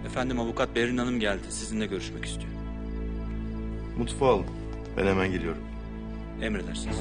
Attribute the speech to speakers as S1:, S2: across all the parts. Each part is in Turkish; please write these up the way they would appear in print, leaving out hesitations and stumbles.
S1: Efendim avukat Berin Hanım geldi. Sizinle görüşmek istiyor.
S2: Mutfağa alın. Ben hemen geliyorum.
S1: Emredersiniz.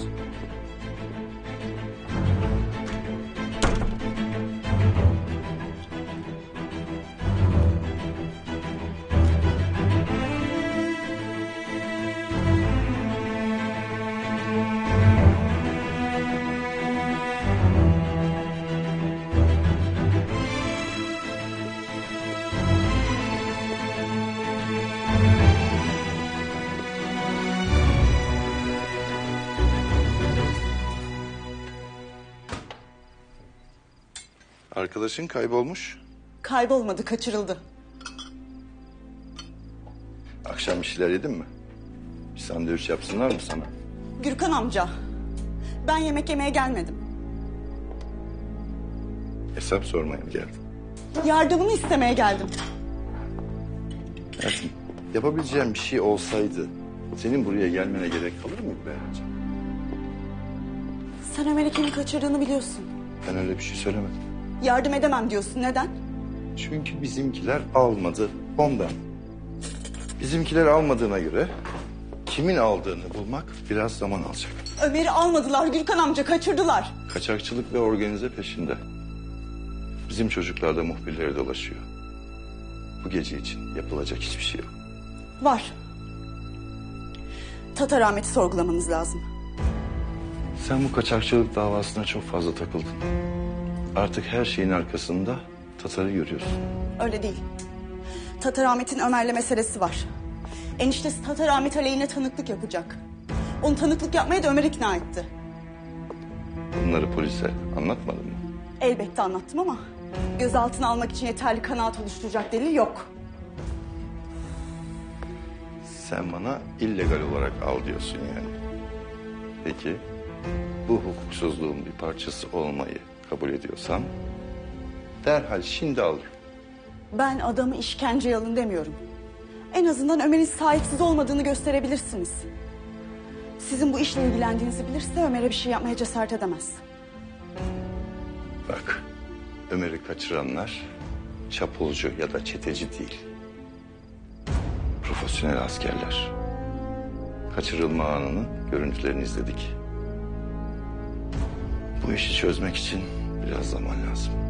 S2: Arkadaşın kaybolmuş.
S3: Kaybolmadı, kaçırıldı.
S2: Akşam bir şeyler yedin mi? Bir sandviç yapsınlar mı sana?
S3: Gürkan amca, ben yemek yemeye gelmedim.
S2: Hesap sormaya mı geldin?
S3: Yardımını istemeye geldim.
S2: Hayatım, yapabileceğim bir şey olsaydı senin buraya gelmene gerek kalır mıydı Beren'ciğim?
S3: Sen Ömer'i kimin kaçırdığını biliyorsun.
S2: Ben öyle bir şey söylemedim.
S3: Yardım edemem diyorsun, neden?
S2: Çünkü bizimkiler almadı ondan. Bizimkiler almadığına göre kimin aldığını bulmak biraz zaman alacak.
S3: Ömer'i almadılar Gürkan amca, kaçırdılar.
S2: Kaçakçılık ve organize peşinde. Bizim çocuklar da muhbirlere dolaşıyor. Bu gece için yapılacak hiçbir şey yok.
S3: Var. Tatar Ahmet'i sorgulamanız lazım.
S2: Sen bu kaçakçılık davasına çok fazla takıldın. Artık her şeyin arkasında Tatar'ı görüyorsun.
S3: Öyle değil. Tatar Ahmet'in Ömer'le meselesi var. Eniştesi Tatar Ahmet aleyhine tanıklık yapacak. Onu tanıklık yapmaya da Ömer ikna etti.
S2: Bunları polise anlatmadın mı?
S3: Elbette anlattım ama gözaltına almak için yeterli kanaat oluşturacak delil yok.
S2: Sen bana illegal olarak al diyorsun yani. Peki bu hukuksuzluğun bir parçası olmayı kabul ediyorsan derhal şimdi al.
S3: Ben adamı işkenceye alın demiyorum. En azından Ömer'in sahipsiz olmadığını gösterebilirsiniz. Sizin bu işle ilgilendiğinizi bilirse Ömer'e bir şey yapmaya cesaret edemez.
S2: Bak, Ömer'i kaçıranlar çapulcu ya da çeteci değil. Profesyonel askerler. Kaçırılma anının görüntülerini izledik. Bu işi çözmek için biraz zaman lazım.